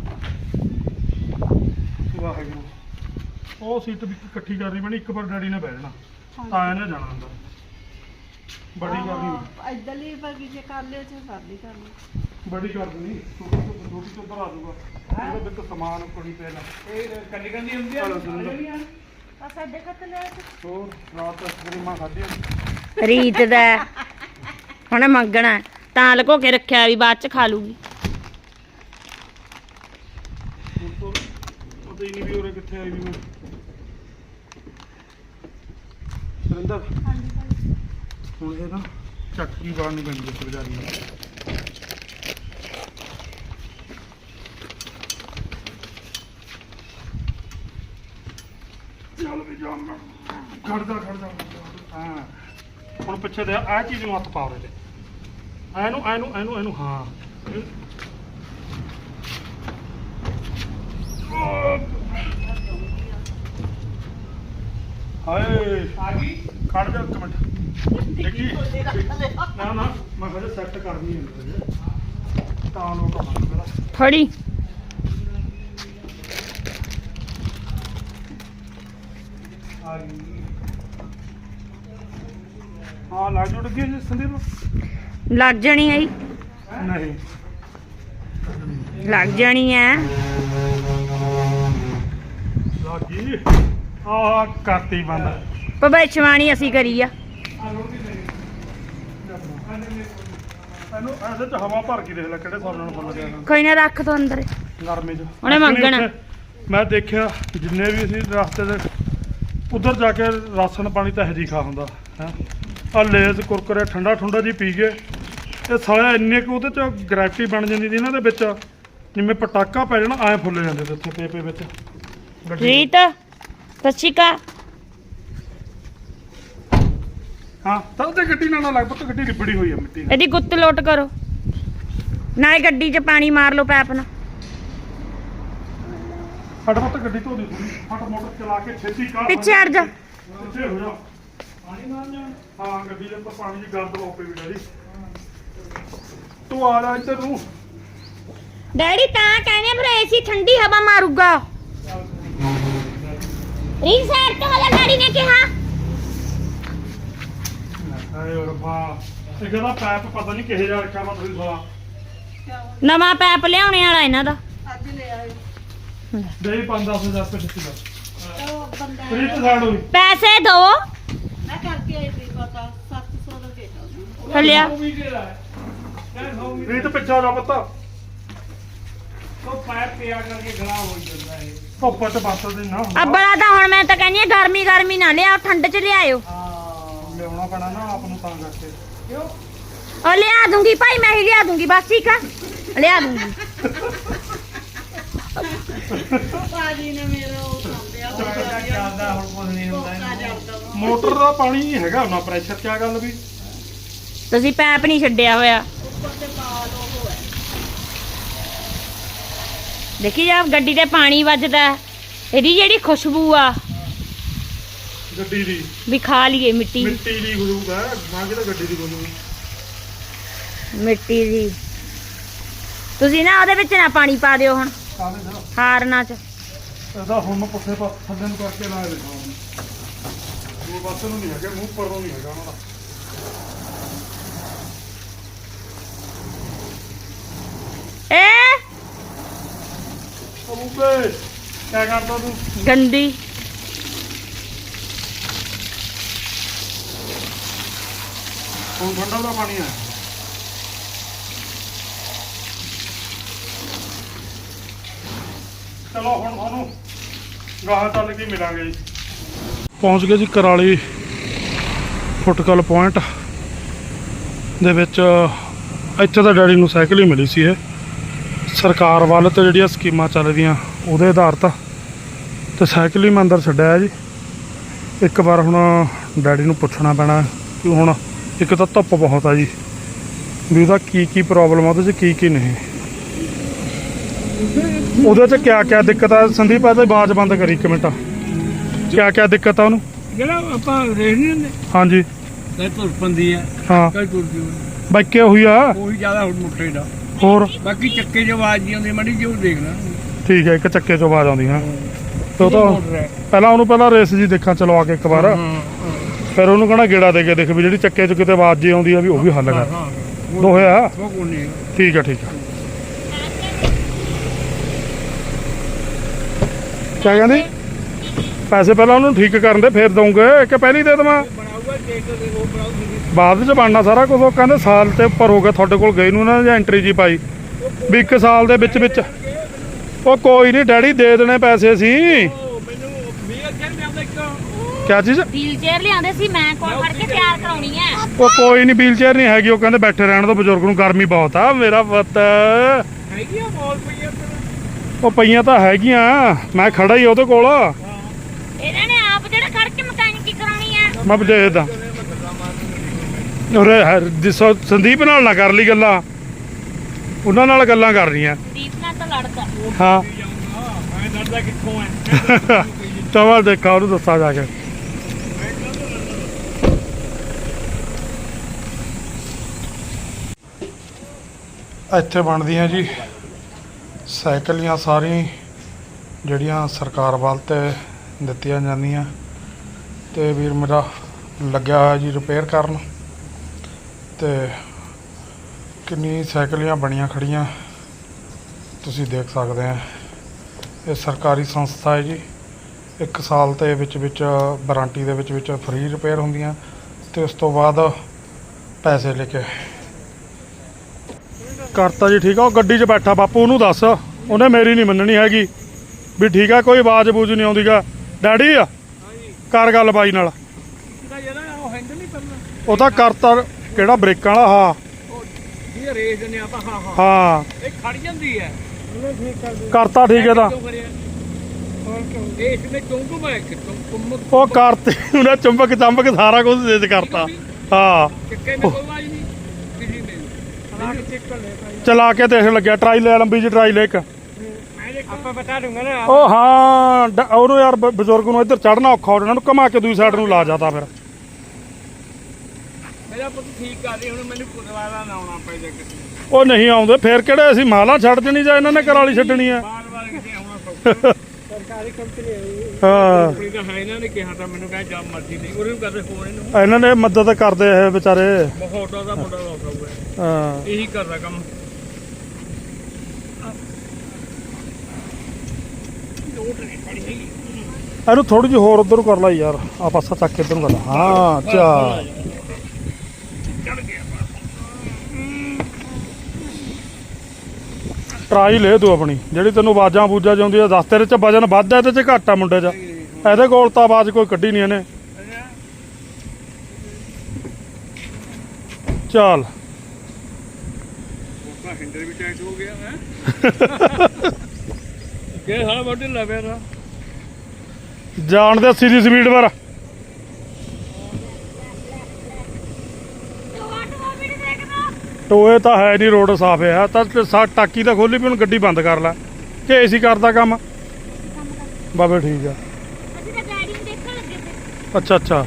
Speaker 1: ਵਾਹਿਗੁਰੂ ਉਹ ਸੀਟ ਵੀ ਇਕੱਠੀ ਕਰਨੀ ਪੈਣੀ ਇੱਕ ਵਾਰ ਡੈਡੀ ਨੇ ਬਹਿ ਜਾਣਾ ਤਾਂ ਇਹਨੇ ਜਾਣਾ ਅੰਦਰ ਬੜੀ ਕਰਨੀ
Speaker 4: ਇਧਰਲੀ ਬਾਕੀ ਜੇ ਕਰ ਲਿਓ ਜੇ ਕਰ ਲਈ ਕਰ ਲਈ
Speaker 1: ਬੜੀ ਕਰ ਦੇਣੀ ਛੋਟੀ ਤੋਂ ਛੋਟੀ ਤੋਂ ਭਰਾ ਦੂਗਾ ਇਹਦੇ ਵਿੱਚ ਸਮਾਨ ਕੁੜੀ ਪੈ ਨਾ
Speaker 2: ਇਹ ਕੱਲੀ ਕੰਦੀ ਹੁੰਦੀ ਆ
Speaker 4: ਆ ਸਾਡੇ ਖਤ ਲੈ
Speaker 1: ਹੋਰ ਰਾਤ ਤੱਕ ਮਾਂ ਖਾਧੀ
Speaker 3: ਰੀਤ ਦਾ ਹੁਣ ਮੰਗਣਾ ਤਾਂ ਲਕੋ ਕੇ ਰੱਖਿਆ ਵੀ ਬਾਅਦ ਚ ਖਾ ਲੂਗੀ
Speaker 1: ਪਤਾ ਹੀ ਨਹੀਂ ਵੀ ਉਰੇ ਕਿੱਥੇ ਆਈ ਵੀ ਮੈਂ ਸਰਿੰਦਰ
Speaker 4: ਹਾਂਜੀ ਭਾਈ
Speaker 1: ਹੁਣ ਇਹ ਨਾ ਚੱਕੀ ਬਾਹਰ ਨਹੀਂ ਪੈਂਦੀ ਇਸ ਬਜ਼ਾਰੀ ਨੂੰ। ਚੱਲ ਵੀ ਜਾ ਮੈਂ ਖੜ ਜਾ ਖੜ ਜਾ ਹਾਂ ਹੁਣ ਪਿੱਛੇ ਦੇ ਆਹ ਚੀਜ਼ ਨੂੰ ਹੱਥ ਪਾ ਉਹਦੇ ਤੇ ਐਨੂੰ ਐਨੂੰ ਐਨੂੰ ਐਨੂੰ ਹਾਂ ਹਾਏ
Speaker 2: ਆ ਗਈ
Speaker 1: ਖੜ ਜਾ ਇੱਕ ਮਿੰਟ ਦੇਖੀ ਨਾ ਨਾ ਮੈਂ ਹਜੇ ਸੈੱਟ ਕਰਨੀ ਹੈ ਤਾਂ ਲੋਕ ਆਉਣਾ ਮੇਰਾ
Speaker 3: ਫੜੀ
Speaker 1: ਆ ਗਈ ਹਾਂ ਲੱਗ ਜੁੜ ਗਈ ਜੀ ਸੰਦੀਪ
Speaker 3: ਲੱਗ ਜਾਣੀ ਆਈ
Speaker 1: ਨਹੀਂ
Speaker 3: ਲੱਗ ਜਾਣੀ ਐ
Speaker 1: ਲੱਗੀ ਆ ਕਰਤੀ ਬੰਦ
Speaker 3: ਭਵਿੱਖਬਾਣੀ ਅਸੀਂ ਕਰੀ ਆ
Speaker 1: ਇਹਨੂੰ ਐਸੇ ਚ ਹਵਾ ਭਰ ਕੇ ਦੇਖ ਲੈ ਕਿਹੜੇ ਹਿਸਾਬ ਨਾਲ ਫੁੱਲ ਗਿਆ ਨਾ
Speaker 3: ਕੋਈ ਨਾ ਰੱਖ ਤੋ ਅੰਦਰ
Speaker 1: ਨਰਮੇ ਚ
Speaker 3: ਉਹਨੇ ਮੰਗਣਾ।
Speaker 1: ਇੱਥੇ ਮੈਂ ਦੇਖਿਆ ਜਿੰਨੇ ਵੀ ਅਸੀਂ ਰਸਤੇ ਦੇ ਉਧਰ ਜਾ ਕੇ ਰਾਸ਼ਨ ਪਾਣੀ ਤਾਂ ਇਹੋ ਖਾ ਹੁੰਦਾ ਹੈ ਆ ਲੇਜ਼ ਕੁਰਕਰੇ ਠੰਡਾ ਠੰਡਾ ਜੀ ਪੀ ਗਏ ਇਹ ਸਾਲਾ ਇੰਨੇ ਕੁ ਉਹਦੇ ਚ ਗ੍ਰੈਵਿਟੀ ਬਣ ਜਾਂਦੀ ਸੀ ਇਹਨਾਂ ਦੇ ਵਿੱਚ ਜਿਵੇਂ ਪਟਾਕਾ ਪੈ ਜਾਣਾ ਐ ਫੁੱਲ ਜਾਂਦੇ ਤੇ ਉੱਥੇ ਪੇਪੇ ਵਿੱਚ ਗੱਡੀ
Speaker 3: ਰੀਤ ਸੱਚੀਕਾ
Speaker 1: ਹਾਂ ਤਾਂ ਉਹਦੇ ਗੱਡੀ ਨਾਲ ਨਾ ਲੱਗ ਪਤਾ ਗੱਡੀ ਲਿਬੜੀ ਹੋਈ ਆ ਮਿੱਟੀ ਨਾਲ
Speaker 3: ਇਹਦੀ ਗੁੱਤ ਲੋਟ ਕਰੋ ਨਾਲੇ ਗੱਡੀ 'ਚ ਪਾਣੀ ਮਾਰ ਲਓ ਪੈਪ ਨਾਲ
Speaker 1: ਫਟਾਫਟ ਗੱਡੀ ਧੋ ਦੇ ਥੋੜੀ ਫਟ ਮੋਟਰ ਚਲਾ ਕੇ ਛੇਤੀ ਕਾਰ
Speaker 3: ਪਿੱਛੇ ਹਟ ਜਾ
Speaker 1: ਪਿੱਛੇ ਹੋ ਜਾ ਪਾਣੀ ਮਾਰ ਜਾ ਹਾਂ ਗੱਡੀ ਦੇ ਉੱਪਰ ਪਾਣੀ ਦੀ ਗਰਦ ਲੋਪੇ ਵੀ ਡੈਡੀ ਤੂੰ ਆ ਜਾ ਇੱਧਰ ਨੂੰ
Speaker 3: ਡੈਡੀ ਤਾਂ ਕਹਿੰਦੇ ਫਿਰ ਏਸੀ ਠੰਡੀ ਹਵਾ ਮਾਰੂਗਾ ਰੀਤ ਸਾਈਡ ਤੋਂ ਵਾਲਾ ਡੈਡੀ ਨੇ ਕਿਹਾ
Speaker 1: ਆਏ ਰੱਬਾ ਇਹ ਕਹਿੰਦਾ ਪੈਪ ਪਤਾ ਨਹੀਂ ਕਿਹੇ ਜਾ ਰੱਖਿਆ ਵਾ ਤੁਸੀਂ ਸਾਲਾ
Speaker 3: ਨਵਾਂ ਪੈਪ ਲਿਆਉਣੇ ਵਾਲਾ ਇਹਨਾਂ ਦਾ
Speaker 4: ਅੱਜ ਲੈ ਆਏ
Speaker 1: ਦੇ ਪੰਜ ਦਸ ਹਜ਼ਾਰ ਰੁਪਏ ਦਿੱਤੀ ਦਾ
Speaker 4: ਉਹ ਬੰਦਾ
Speaker 1: ਪ੍ਰੀਤ ਸਾਡ ਹੋਈ
Speaker 3: ਪੈਸੇ ਦੋ
Speaker 4: ਮੈਂ ਕਰਕੇ ਆਈ ਸੀ ਪਤਾ ਸੱਤ ਸੌ ਦਾ ਕਿਹਾ ਉਹਨੇ।
Speaker 3: ਹਲਿਆ
Speaker 2: ਉਹ ਵੀ ਦੇ ਲੈ ਕਹਿ ਸੌ ਵੀ
Speaker 1: ਪ੍ਰੀਤ ਪਿੱਛੇ ਆ ਜਾ ਪਤਾ
Speaker 2: ਉਹ ਪੈਰ ਪਿਆ ਕਰਕੇ ਗਲਾ ਹੋ ਜਾਂਦਾ ਇਹ
Speaker 1: ਧੁੱਪ ਚ ਬਸਲ ਦੀ ਨਾ
Speaker 3: ਅੱਬਲਾ ਤਾਂ ਹੁਣ ਮੈਂ ਤਾਂ ਕਹਿੰਦੀ ਆ ਗਰਮੀ ਗਰਮੀ ਨਾ ਲਿਆਓ ਠੰਡ 'ਚ ਲਿਆਇਓ
Speaker 1: ਹਾਂ ਲਿਆਉਣਾ ਪੈਣਾ ਨਾ ਆਪ ਨੂੰ ਤਾਂ ਕਰਕੇ
Speaker 2: ਕਿਉਂ
Speaker 3: ਉਹ ਲਿਆ ਦੂੰਗੀ ਭਾਈ ਮੈਂ ਹੀ ਲਿਆ ਦੂੰਗੀ ਬਸ ਠੀਕ ਆ ਲਿਆ ਦੂੰਗੀ
Speaker 4: ਭਾਜੀ ਨੇ ਮੇਰਾ ਉਹ ਖਾਂਦਿਆ
Speaker 2: ਚੱਲਦਾ ਚੱਲਦਾ ਹੁਣ ਕੁਝ ਨਹੀਂ ਹੁੰਦਾ
Speaker 4: ਆ
Speaker 2: ਇਹਨੂੰ।
Speaker 4: ਜਾਂਦਾ ਵਾ
Speaker 1: ਮੋਟਰ ਦਾ ਪਾਣੀ ਨਹੀਂ ਹੈਗਾ ਉਹਨਾਂ ਪ੍ਰੈਸ਼ਰ ਕਿਆ ਗੱਲ ਵੀ
Speaker 3: ਤੁਸੀਂ ਪੈਪ ਨਹੀਂ ਛੱਡਿਆ ਹੋਇਆ
Speaker 4: ਉੱਪਰ ਤੇ ਪਾ ਲਓ ਉਹ ਹੈ
Speaker 3: ਦੇਖੀ ਜਾ ਗੱਡੀ ਤੇ ਪਾਣੀ ਵੱਜਦਾ ਹੈ। ਇਹਦੀ ਜਿਹੜੀ ਖੁਸ਼ਬੂ ਆ
Speaker 1: ਗੱਡੀ ਦੀ
Speaker 3: ਵੀ ਖਾ ਲਈਏ ਮਿੱਟੀ
Speaker 1: ਮਿੱਟੀ ਦੀ ਗੁਰੂ ਹੈ ਨਾ ਕਿ ਗੱਡੀ ਦੀ ਗੁਰੂ
Speaker 3: ਮਿੱਟੀ ਦੀ ਤੁਸੀਂ ਨਾ ਉਹਦੇ ਵਿੱਚ ਨਾ ਪਾਣੀ ਪਾ ਦਿਓ ਹੁਣ
Speaker 1: ਕਾਹਦੇ ਦਾ
Speaker 3: ਹਾਰਨਾ 'ਚ
Speaker 1: ਇਹਦਾ ਹੁਣ ਮੈਂ ਪੁੱਠੇ ਪਾਸੇ ਥੱਲੇ ਨੂੰ ਕਰਕੇ ਲਾ ਦੇਣਾ ਉਹ ਪਾਸੇ ਨੂੰ ਨਹੀਂ ਹੈਗਾ ਮੂੰਹ ਪਰ ਨੂੰ ਨਹੀਂ ਹੈਗਾ ਉਹਨਾਂ ਦਾ
Speaker 3: ਏ
Speaker 1: ਉਹ ਬੂਬੇ ਕਿਆ ਕਰਦਾ ਤੂੰ
Speaker 3: ਗੰਦੀ
Speaker 1: ਹੁਣ ਠੰਡਾ ਦਾ ਪਾਣੀ ਆ ਚਲੋ ਹੁਣ ਤੁਹਾਨੂੰ ਗਾਹਾਂ ਚੱਲ ਕੇ ਮਿਲਾਂਗੇ ਜੀ ਪਹੁੰਚ ਗਏ ਜੀ ਕਰਾਲੀ ਫੁੱਟਕਲ ਪੁਆਇੰਟ ਦੇ ਵਿੱਚ ਇੱਥੇ ਤਾਂ ਡੈਡੀ ਨੂੰ ਸਾਈਕਲ ਹੀ ਮਿਲੀ ਸੀ ਇਹ ਸਰਕਾਰ ਵੱਲ ਤੇ ਜਿਹੜੀਆਂ ਸਕੀਮਾਂ ਚੱਲਦੀਆਂ ਉਹਦੇ ਆਧਾਰਿਤ ਤੇ ਸਾਈਕਲ ਹੀ ਮੈਂ ਅੰਦਰ ਛੱਡਿਆ ਜੀ ਇੱਕ ਵਾਰ ਹੁਣ ਡੈਡੀ ਨੂੰ ਪੁੱਛਣਾ ਪੈਣਾ ਕਿ ਹੁਣ ਇੱਕ ਤਾਂ ਧੁੱਪ ਬਹੁਤ ਆ ਜੀ ਵੀ ਉਹਦਾ ਕੀ ਕੀ ਪ੍ਰੋਬਲਮ ਆ ਉਹਦੇ 'ਚ ਕੀ ਕੀ ਨਹੀਂ ਉਹਦੇ 'ਚ ਕਿਆ ਕਿਆ ਦਿੱਕਤ ਆ ਸੰਦੀਪ ਆ ਤੇ ਆਵਾਜ਼ ਬੰਦ ਕਰੀ ਇੱਕ ਮਿੰਟ ਕਿਆ ਕਿਆ ਦਿੱਕਤ ਆ ਉਹਨੂੰ
Speaker 2: ਜਿਹੜਾ ਆਪਾਂ ਰੇਖ ਨਹੀਂ ਹੁੰਦੇ
Speaker 1: ਹਾਂਜੀ
Speaker 2: ਕਈ ਤੁਰ ਪੰਦੀ ਆ
Speaker 1: ਹਾਂ
Speaker 2: ਕਈ ਤੁਰਦੀ
Speaker 1: ਬਾਈਕੇ ਹੋਈ ਆ
Speaker 2: ਉਹੀ ਜ਼ਿਆਦਾ ਹੁਣ ਮੁੱਠੇ ਦਾ
Speaker 1: ਹੋਰ
Speaker 2: ਬਾਕੀ ਚੱਕੇ 'ਚ ਆਵਾਜ਼ ਜੀ ਆਉਂਦੀ ਮੜੀ ਜਿਹੀ ਉਹ ਦੇਖਣਾ
Speaker 1: ਠੀਕ ਹੈ ਇੱਕ ਚੱਕੇ 'ਚੋਂ ਆਵਾਜ਼ ਆਉਂਦੀ ਹਾਂ ਤੇ ਉਹ ਤਾਂ
Speaker 2: ਮੋਟਰ ਹੈ।
Speaker 1: ਪਹਿਲਾਂ ਉਹਨੂੰ ਪਹਿਲਾਂ ਰੇਸ ਜੀ ਦੇਖਾਂ ਚਲਵਾ ਕੇ ਇੱਕ ਵਾਰ
Speaker 2: ਹਾਂ ਹਾਂ
Speaker 1: ਫਿਰ ਉਹਨੂੰ ਕਹਣਾ ਗੇੜਾ ਦੇ ਕੇ ਦੇਖ ਵੀ ਜਿਹੜੀ ਚੱਕੇ 'ਚ ਕਿਤੇ ਆਵਾਜ਼ ਜੀ ਆਉਂਦੀ ਆ ਵੀ ਉਹ ਵੀ ਹੱਲ ਕਰ
Speaker 2: ਹਾਂ
Speaker 1: ਦੋਹੇ ਆ
Speaker 2: ਉਹ ਕੋਈ ਨਹੀਂ
Speaker 1: ਠੀਕ ਆ ਠੀਕ ਆ ਕਿਆ ਕਹਿੰਦੀ ਪੈਸੇ ਪਹਿਲਾਂ ਉਹਨੂੰ ਠੀਕ ਕਰਨ ਦੇ ਫਿਰ ਦਊਂਗੇ ਕਿ ਪਹਿਲੀ ਦੇ ਦੇਵਾਂ
Speaker 2: ਬਣਾਊਗਾ ਟੇਕ ਦੇ ਉਹ ਬਣਾਊਗੀ
Speaker 1: ਬਾਅਦ ਵਿੱਚ ਬਣਨਾ ਸਾਰਾ ਕੁਝ ਉਹ ਕਹਿੰਦੇ ਸਾਲ ਤੇ ਉੱਪਰ ਹੋ ਗਿਆ ਤੁਹਾਡੇ ਕੋਲ ਗਏ ਨੂੰ ਨਾ ਜਾਂ ਐਂਟਰੀ ਜੀ ਪਾਈ ਵੀ ਇੱਕ ਸਾਲ ਦੇ ਵਿੱਚ ਵਿੱਚ ਉਹ ਕੋਈ ਨਹੀਂ ਡੈਡੀ ਦੇ ਦੇਣੇ ਪੈਸੇ ਸੀ
Speaker 2: ਉਹ ਮੈਨੂੰ ਵੀਹ ਅੱਗੇ ਮੈਂ ਆਉਂਦਾ ਇੱਕ
Speaker 1: ਕਿਆ ਚੀਜ਼?
Speaker 3: ਵੀਲ ਚੇਅਰ ਲਿਆਉਂਦੇ ਸੀ ਮੈਂ ਕੋਲ ਫੜ ਕੇ ਤਿਆਰ ਕਰਾਉਣੀ ਹੈ।
Speaker 1: ਉਹ ਕੋਈ ਨਹੀਂ, ਵੀਲ ਚੇਅਰ ਨਹੀਂ ਹੈਗੀ, ਉਹ ਕਹਿੰਦੇ ਬੈਠੇ ਰਹਿਣ ਦੋ ਬਜ਼ੁਰਗ ਨੂੰ, ਗਰਮੀ ਬਹੁਤ ਆ ਮੇਰਾ ਪੁੱਤ।
Speaker 2: ਹੈਗੀ ਆ ਮੌਲ ਪਈਆ
Speaker 1: ਉਹ ਪਈਆਂ ਤਾਂ ਹੈਗੀਆਂ, ਮੈਂ ਖੜਾ ਹੀ ਉਹਦੇ ਕੋਲ।
Speaker 3: ਇਹਨਾਂ ਨੇ ਆਪ ਜਿਹੜਾ ਖੜ ਕੇ ਮਕੈਨਿਕੀ ਕਰਾਉਣੀ ਹੈ।
Speaker 1: ਮੈਂ ਦੇਖਦਾ ਉਰੇ ਹੈ- ਜਿਸੋ ਸੰਦੀਪ ਨਾਲ ਨਾ ਕਰ ਲਈ ਗੱਲਾਂ, ਉਹਨਾਂ ਨਾਲ ਗੱਲਾਂ ਕਰ ਰਹੀਆਂ।
Speaker 3: ਦੀਪ ਨਾਲ ਤਾਂ ਲੜਦਾ।
Speaker 1: ਹਾਂ
Speaker 2: ਮੈਂ ਡਰਦਾ ਕਿੱਥੋਂ ਐ
Speaker 1: ਚਵਾ ਦੇਖਾ ਉਹਨੂੰ ਦੱਸਾਂ ਜਾ ਕੇ। ਇੱਥੇ ਬਣਦੀਆਂ ਜੀ ਸਾਈਕਲੀਆਂ ਸਾਰੀਆਂ ਜਿਹੜੀਆਂ ਸਰਕਾਰ ਵੱਲ ਤੇ ਦਿੱਤੀਆਂ ਜਾਂਦੀਆਂ, ਤੇ ਵੀਰ ਮੇਰਾ ਲੱਗਿਆ ਹੋਇਆ ਜੀ ਰਿਪੇਅਰ ਕਰਨ। ਤੇ ਕਿੰਨੀ ਸਾਈਕਲੀਆਂ ਬਣੀਆਂ ਖੜੀਆਂ ਤੁਸੀਂ ਦੇਖ ਸਕਦੇ ਆ। ਇਹ ਸਰਕਾਰੀ ਸੰਸਥਾ ਹੈ ਜੀ, ਇੱਕ ਸਾਲ ਤੇ ਵਿੱਚ ਵਿੱਚ ਵਾਰੰਟੀ ਦੇ ਵਿੱਚ ਵਿੱਚ ਫ੍ਰੀ ਰਿਪੇਅਰ ਹੁੰਦੀਆਂ, ਤੇ ਉਸ ਤੋਂ ਬਾਅਦ ਪੈਸੇ ਲੈ ਕੇ ਕਰਤਾ ਜੀ। ਠੀਕ ਆ, ਉਹ ਗੱਡੀ 'ਚ ਬੈਠਾ ਬਾਪੂ, ਉਹਨੂੰ ਦੱਸ, ਉਹਨੇ ਮੇਰੀ ਨਹੀਂ ਮੰਨਣੀ ਹੈਗੀ ਵੀ ਠੀਕ ਆ, ਕੋਈ ਆਵਾਜ਼ ਬੂਝ ਨਹੀਂ ਆਉਂਦੀਗਾ। ਡੈਡੀ ਆ ਕਰ ਗੱਲ ਬਾਈ ਨਾਲ।
Speaker 2: ਉਹ ਹੈਂਡਲ ਨਹੀਂ ਕਰਨਾ,
Speaker 1: ਉਹ ਤਾਂ ਕਰਤਾ ਕਿਹੜਾ ਬ੍ਰੇਕਾਂ ਵਾਲਾ। ਹਾਂ
Speaker 2: ਇਹ ਰੇਸ ਦਿੰਦੇ ਆਪਾਂ। ਹਾਂ ਹਾਂ
Speaker 1: ਹਾਂ
Speaker 2: ਇਹ ਖੜ ਜਾਂਦੀ ਹੈ।
Speaker 1: ਕਰਤਾ ਠੀਕ ਹੈ ਤਾਂ।
Speaker 2: ਇਹ ਇਸਨੇ ਚੁੰਗੂ ਮੈਂ ਕਿ ਚੁੰਗੂ
Speaker 1: ਉਹ ਕਰਤੇ ਉਹਨੇ ਚੁੰਬਕ ਚੰਬਕ ਸਾਰਾ ਕੁਝ ਦੇ ਕਰਤਾ। ਹਾਂ
Speaker 2: ਚੱਕੇ ਨੇ ਕੋਈ ਆਵਾਜ਼ ਨਹੀਂ ਕਿਸੇ ਨੇ ਚਲਾ ਕੇ ਚੈੱਕ ਕਰ ਲੈ ਭਾਈ।
Speaker 1: ਚਲਾ ਕੇ ਦੇਖ ਲੱਗਿਆ, ਟਰਾਈ ਲੈ ਲੰਬੀ ਜੀ ਟਰਾਈ ਲੈ ਇੱਕ।
Speaker 2: ਆਪਾਂ ਬਤਾ ਦੂੰਗਾ ਨਾ।
Speaker 1: ਉਹ ਹਾਂ ਡ- ਉਹਨੂੰ ਯਾਰ ਬ- ਬਜ਼ੁਰਗ ਨੂੰ ਇੱਧਰ ਚੜਨਾ ਔਖਾ, ਉਹਨਾਂ ਨੂੰ ਘੁਮਾ ਕੇ ਦੂਜੀ ਸਾਈਡ ਨੂੰ ਲਾ ਜਾਤਾ ਫਿਰ।
Speaker 2: ਮੇਰਾ ਪੁੱਤ ਠੀਕ ਕਰ ਰਹੀ, ਹੁਣ ਮੈਨੂੰ ਦੁਬਾਰਾ ਨਾ ਆਉਣਾ ਪੈ ਜਾ ਕਿਸੇ
Speaker 1: ਉਹ ਨਹੀਂ ਆਉਂਦੇ ਫਿਰ ਕਿਹੜੇ ਅਸੀਂ ਮਾਲਾ ਛੱਡ ਦੇਣੀ ਜਾਂ ਇਹਨਾਂ ਨੇ ਕਰਾਲੀ ਛੱਡਣੀ ਆ।
Speaker 2: ਬਾਰ ਬਾਰ ਕਿਤੇ ਆਉਣਾ ਸੌਖਾ। ਸਰਕਾਰੀ ਕੰਪਨੀ ਹੈ
Speaker 1: ਹਾਂ
Speaker 2: ਕੰਪਨੀ ਦਾ ਹੈ, ਇਹਨਾਂ ਨੇ ਕਿਹਾ ਤਾਂ ਮੈਨੂੰ ਕਹੇ ਜਾਂ ਮਰਜ਼ੀ ਨਹੀਂ, ਉਹਨੂੰ ਕਰਦੇ ਫੋਨ ਇਹਨੂੰ
Speaker 1: ਇਹਨਾਂ ਨੇ ਮਦਦ ਕਰਦੇ ਇਹ ਵਿਚਾਰੇ।
Speaker 2: ਬਹੁਤ ਦਾ ਮੁੰਡਾ ਰੋਕਾ ਹੋਇਆ,
Speaker 1: ਹਾਂ
Speaker 2: ਇਹੀ ਕਰਦਾ ਕੰਮ। ਲੋਟ ਨਹੀਂ ਪੜੀ ਹੈਗੀ।
Speaker 1: ਇਹਨੂੰ ਥੋੜੀ ਜਿਹੀ ਹੋਰ ਉਧਰ ਕਰ ਲਾ ਯਾਰ, ਆ ਪਾਸਾ ਚੱਕ ਕੇ ਇੱਧਰ ਨੂੰ ਕਰ ਲਾ। ਹਾਂ ਚਾ
Speaker 2: ਚੜ ਗਿਆ
Speaker 1: ਟਰਾਈ ਲੈ ਤੂੰ ਆਪਣੀ, ਜਿਹੜੀ ਤੈਨੂੰ ਆਵਾਜ਼ਾਂ ਬੂਜਾਂ ਜਾਂਦੀ ਆ ਦੱਸ। ਤੇਰੇ ਚ ਵਜਨ ਵੱਧ ਆ, ਇਹਦੇ ਚ ਘੱਟ ਆ ਮੁੰਡੇ ਚ। ਇਹਦੇ ਕੋਲ ਤਾਂ ਆਵਾਜ਼ ਕੋਈ ਕੱਢੀ ਨਹੀਂ ਇਹਨੇ। ਚੱਲ
Speaker 2: ਉਹਦਾ ਹੈਂਡਲ ਵੀ ਟਾਈਟ ਹੋ ਗਿਆ ਹੈ ਕਿ ਸਾਰਾ ਬੋਡੀ ਲਵੇ ਨਾ
Speaker 1: ਜਾਣ ਦੇ ਅੱਸੀ ਦੀ ਸਪੀਡ ਪਰ। ਟੋਏ ਤਾਂ ਹੈ ਨਹੀਂ, ਰੋਡ ਸਾਫ ਹੈ ਤਾਂ ਸਾ ਟਾਕੀ ਤਾਂ ਖੋਲੀ ਵੀ, ਹੁਣ ਗੱਡੀ ਬੰਦ ਕਰ ਲੈ ਕਿ ਏਸੀ ਕਰਦਾ ਕੰਮ। ਬਾਬੇ ਠੀਕ ਆ।
Speaker 3: ਅਸੀਂ ਤਾਂ ਗਾੜੀ ਨੂੰ ਦੇਖਣ ਲੱਗੇ ਤੇ
Speaker 1: ਅੱਛਾ ਅੱਛਾ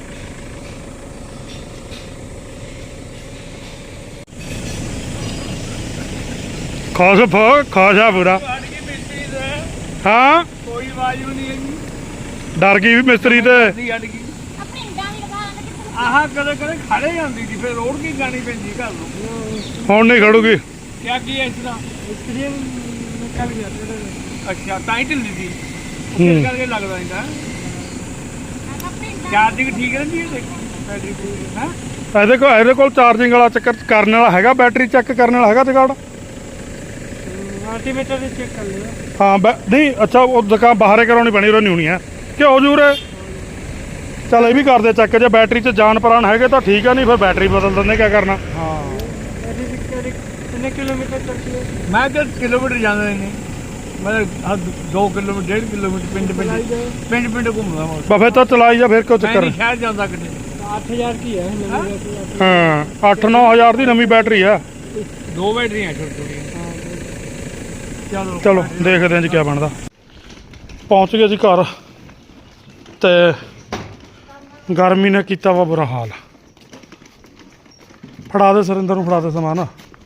Speaker 1: ਖਾਸ ਫ ਖਾਸਾ ਪੂਰਾ।
Speaker 2: ਅੜ ਗਈ ਮਿਸਤਰੀ ਦਾ,
Speaker 1: ਹਾਂ
Speaker 2: ਕੋਈ ਆਵਾਜ਼ ਵੀ ਨਹੀਂ ਹੈਗੀ।
Speaker 1: ਡਰ ਗਈ ਵੀ ਮਿਸਤਰੀ ਤੇ।
Speaker 2: ਨਹੀਂ ਅੜ ਗਈ।
Speaker 3: ਆਪਣੇ ਇੰਡਾਂ ਵੀ ਲਗਾ ਲਾਂਗੇ ਕਿੱਥੇ।
Speaker 2: ਆਹ ਕਦੇ ਕਦੇ ਖੜੇ ਜਾਂਦੀ ਸੀ, ਫਿਰ ਰੋੜ ਕੇ ਗਾਣੀ ਪੈਂਦੀ ਘਰ ਨੂੰ।
Speaker 1: ਹੁਣ ਨਹੀਂ ਖੜੂਗੀ।
Speaker 2: ਕਿਆ ਕੀ ਹੈ ਇਸ ਦਾ ਮਿਸਤਰੀ ਨਿਕਲ ਗਿਆ ਤੇਰੇ। ਅੱਛਾ ਤਾਂ ਹੀ ਢਿੱਲੀ ਸੀ,
Speaker 1: ਹੂੰ।
Speaker 2: ਇਸ ਕਰਕੇ ਲੱਗਦਾ ਇਹਦਾ।
Speaker 3: ਆਪਣੇ ਇੰਡਾਂ
Speaker 2: ਚਾਰਜਿੰਗ ਠੀਕ ਰਹਿੰਦੀ ਹੈ ਦੇਖੋ, ਬੈਟਰੀ ਠੀਕ ਹੈ।
Speaker 1: ਇਹਦੇ ਕੋਲ ਇਹਦੇ ਕੋਲ ਚਾਰਜਿੰਗ ਵਾਲਾ ਚੱਕਰ ਕਰਨ ਵਾਲਾ ਹੈਗਾ, ਬੈਟਰੀ ਚੈੱਕ ਕਰਨ ਵਾਲਾ ਹੈਗਾ ਜਗਾੜ।
Speaker 2: ਮਲਟੀਮੀਟਰ ਦੇ ਚੈੱਕ ਕਰ ਲਿਆ।
Speaker 1: ਹਾਂ ਬੈ ਨਹੀਂ ਅੱਛਾ, ਉਹ ਦੁਕਾਨ ਬਾਹਰੇ ਕਰਾਉਣੀ ਪੈਣੀ, ਉਹ ਨਹੀਂ ਹੋਣੀ ਹੈ ਕਿ ਹੋ ਜੂਰੇ। ਚੱਲ ਇਹ ਵੀ ਕਰਦੇ ਚੈੱਕ, ਜੇ ਬੈਟਰੀ 'ਚ ਜਾਨ ਪ੍ਰਾਣ ਹੈਗੇ ਤਾਂ ਠੀਕ ਆ, ਨਹੀਂ ਫਿਰ ਬੈਟਰੀ ਬਦਲ ਦਿੰਦੇ, ਕਿਆ ਕਰਨਾ।
Speaker 2: ਹਾਂ ਕਿੰਨੇ ਕਿਲੋਮੀਟਰ ਚੱਲਦੀ ਹੈ? ਮੈਂ ਤਾਂ ਕਿਲੋਮੀਟਰ ਜਾਂਦਾ ਨਹੀਂ, ਮੈਂ ਦੋ ਕਿਲੋਮੀਟਰ ਡੇਢ ਕਿਲੋਮੀਟਰ ਪਿੰਡ ਪਿੰਡ ਪਿੰਡ ਪਿੰਡ ਘੁੰਮਦਾ ਮੈਂ।
Speaker 1: ਬਫੇ ਤਾਂ ਚਲਾਈ ਜਾ, ਫਿਰ ਕਿਉਂ
Speaker 2: ਮੈਂ
Speaker 1: ਚੱਕਰ।
Speaker 2: ਨਹੀਂ ਸ਼ਹਿਰ ਜਾਂਦਾ ਕਿਤੇ। ਅੱਠ ਹਜ਼ਾਰ ਕੀ ਹੈ
Speaker 1: ਹਾਂ ਅੱਠ ਨੌ ਹਜ਼ਾਰ ਦੀ ਨਵੀਂ ਬੈਟਰੀ ਆ।
Speaker 2: ਦੋ ਬੈਟਰੀਆਂ ਛੋਟੀ ਛੋਟੀਆਂ। ਚਲੋ
Speaker 1: ਚਲੋ ਦੇਖਦੇ ਹਾਂ ਜੀ ਕਿਆ ਬਣਦਾ। ਪਹੁੰਚ ਗਏ ਜੀ ਘਰ, ਤੇ ਗਰਮੀ ਨੇ ਕੀਤਾ ਵਾ ਬੁਰਾ ਹਾਲ। ਫੜਾ ਦੇ ਸੁਰਿੰਦਰ ਨੂੰ, ਫੜਾ ਦੇ ਸਮਾਨ।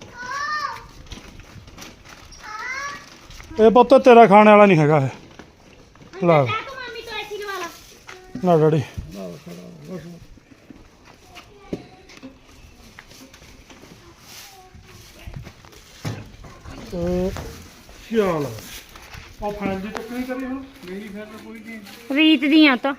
Speaker 1: ਇਹ ਪੁੱਤ ਤੇਰਾ ਖਾਣੇ ਵਾਲਾ ਨਹੀਂ ਹੈਗਾ ਇਹ। ਲੈ
Speaker 3: ਤੂੰ ਮਾਮੀ ਤੋਂ ਐਸੀ ਲਵਾ ਲਾ।
Speaker 1: ਨਾ ਡੈਡੀ ਚੱਲ ਉਹ ਫਾਈਲ ਦੀ ਟੱਕਰੀ ਕਰੀ ਹੁਣ।
Speaker 2: ਮੇਰੀ ਫਿਰ ਤਾਂ ਕੋਈ ਨਹੀਂ।
Speaker 3: ਰੀਤ ਦੀਆਂ ਤਾਂ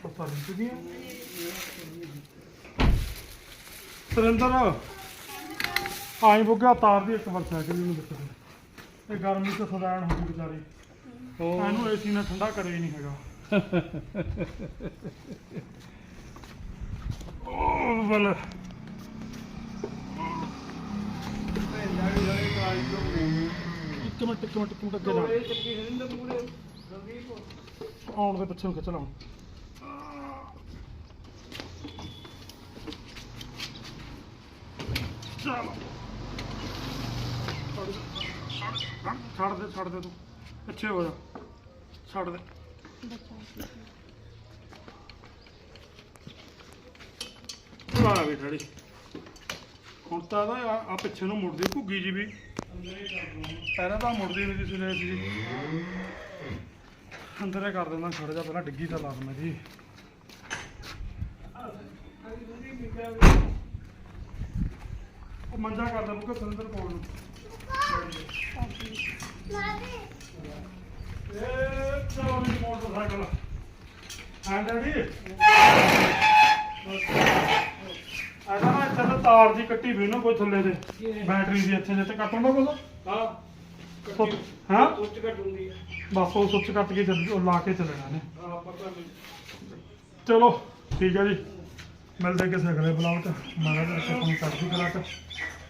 Speaker 1: ਸੁਰਿੰਦਰ ਆਈ ਬੁੱਗਾ ਤਾਰ ਦੀ ਇੱਕ ਵਾਰ ਸਾਈਕਲ ਨੂੰ ਦਿੱਤੀ। ਇਹ ਗਰਮੀ ਤੋਂ ਸਦਾਨ ਹੋ ਗਈ ਵਿਚਾਰੀ, ਇਹਨੂੰ ਏਸੀ ਨਾਲ ਠੰਡਾ ਕਰੇ ਹੀ ਨਹੀਂ ਹੈਗਾ। ਉਹ ਬਲ ਇੱਕ ਮਿੰਟ ਇੱਕ ਮਿੰਟ ਇੱਕ ਮਿੰਟ ਅੱਗੇ ਜਾ ਆਉਣ ਦੇ ਪਿੱਛੇ ਨੂੰ ਖਿੱਚ ਲਾਉਂ ਚਲੋ ਛੱਡ ਦੇ ਛੱਡ ਦੇ ਤੂੰ ਪਿੱਛੇ ਹੋ ਜਾ ਛੱਡ ਦੇ ਆ ਵੀ ਡੈਡੀ ਹੁਣ ਤਾਂ ਨਾ ਆ ਆ ਪਿੱਛੇ ਨੂੰ ਮੁੜਦੀ ਘੁੱਗੀ ਜੀ ਵੀ ਪਹਿਲਾਂ ਤਾਂ ਮੁੜਦੀ ਨਹੀਂ ਸੀ ਰੇਸ ਜੀ ਅੰਦਰ ਹੀ ਕਰ ਦਿੰਦਾ ਖੜ ਜਾ ਪਹਿਲਾਂ ਡਿੱਗੀ ਤਾਂ ਲਾ ਦਿੰਦਾ ਜੀ ਉਹ ਮੰਜਾ ਕਰਦਾ ਬੁੱਕਾ ਸੰਦਰ ਕੋਲ ਨੂੰ ਇਹ ਚਲੋ ਵੀ ਮੋਟਰਸਾਈਕਲ ਹਾਂ ਡੈਡੀ ਆਦਾ ਨਾ ਇੱਥੇ ਤਾਂ ਤਾਰ ਦੀ ਕੱਟੀ ਵੀ ਨਾ ਕੋਈ ਥੱਲੇ ਦੇ ਬੈਟਰੀ ਦੀ ਇੱਥੇ ਜਿੱਥੇ ਕੱਟਣ ਦਾ ਕੁਝ
Speaker 2: ਹਾਂ
Speaker 1: ਸੁੱਚ ਹਾਂ
Speaker 2: ਉੱਚ ਘਟੂਗੀ
Speaker 1: ਬਸ ਉਹ ਸੁੱਚ ਕੱਟ ਕੇ ਚੱਲ ਉਹ ਲਾ ਕੇ ਚੱਲਣਾ ਨੇ
Speaker 2: ਹਾਂ ਪਤਾ ਨਹੀਂ
Speaker 1: ਚਲੋ ਠੀਕ ਹੈ ਜੀ ਮਿਲਦੇ ਕਿਸੇ ਅਗਲੇ ਬਲੌਗ 'ਚ ਮਹਾਰਾਜ ਆਪਣੀ ਕਰਦੀ ਕਲਾ 'ਚ